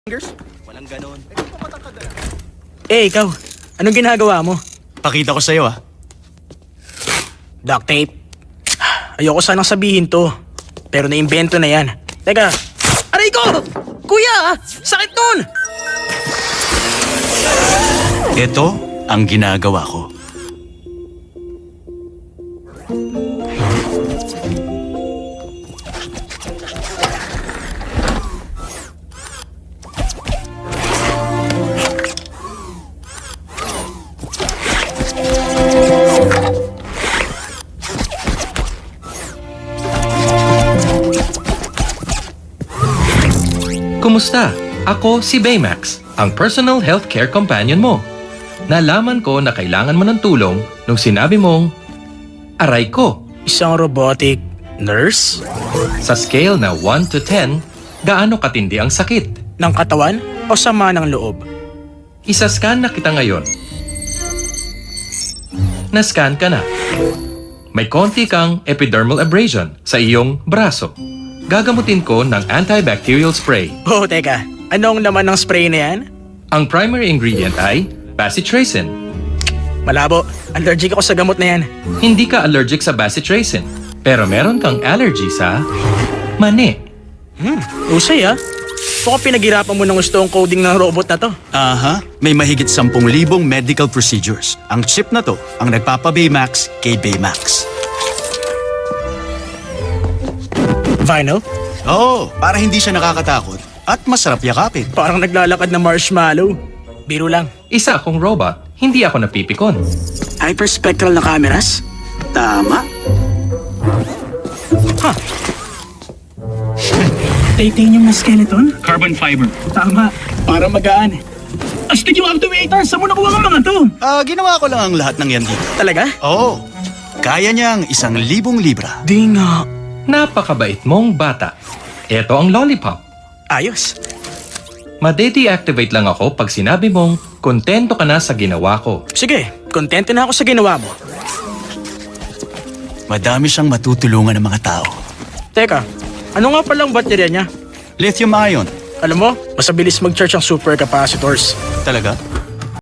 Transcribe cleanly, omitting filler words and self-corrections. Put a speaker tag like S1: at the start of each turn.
S1: fingers?
S2: Walang ganon.
S1: Ikaw. Anong ginagawa mo?
S2: Pakita ko sa'yo
S1: Duct tape. Ayoko sanang sabihin to. Pero naimbento na yan. Teka. Aray ko! Kuya! Sakit nun!
S2: Ito ang ginagawa ko.
S3: Kumusta? Ako si Baymax, ang personal healthcare companion mo. Nalaman ko na kailangan mo ng tulong nung sinabi mong, aray ko.
S1: Isang robotic nurse?
S3: Sa scale na 1 to 10, gaano katindi ang sakit?
S1: Ng katawan o sama ng loob?
S3: Isa-scan na kita ngayon. Na-scan ka na. May konti kang epidermal abrasion sa iyong braso. Gagamutin ko ng antibacterial spray.
S1: Oh, teka. Anong laman ng spray na yan?
S3: Ang primary ingredient ay bacitracin.
S1: Malabo. Allergic ako sa gamot na yan.
S3: Hindi ka allergic sa bacitracin, pero meron kang allergy sa mani.
S1: Usay ah. Mukhang pinaghirapan mo ng gusto ang coding ng robot na to.
S2: Aha, may mahigit 10,000 medical procedures. Ang chip na to ang nagpapa-Baymax kay Baymax.
S1: Vinyl?
S2: Oo, para hindi siya nakakatakot at masarap yakapin.
S1: Parang naglalakad na marshmallow. Biro lang.
S3: Isa akong robot, hindi ako napipikon.
S1: Hyperspectral na cameras?
S2: Tama.
S1: Titanium na skeleton?
S4: Carbon fiber.
S1: Tama. Para magaan. Astig yung actuator! Saan mo nakuha ang mga to?
S2: Ginawa ko lang ang lahat ng yan dito.
S1: Talaga?
S2: Oo, kaya niyang 1,000 libra.
S1: Di nga.
S3: Napakabait mong bata. Ito ang lollipop.
S1: Ayos.
S3: Made-deactivate lang ako pag sinabi mong kontento ka na sa ginawa ko.
S1: Sige, kontento na ako sa ginawa mo.
S2: Madami siyang matutulungan ng mga tao.
S1: Teka, ano nga palang baterya niya?
S2: Lithium ion.
S1: Alam mo, mas mabilis mag-charge ang supercapacitors.
S2: Talaga?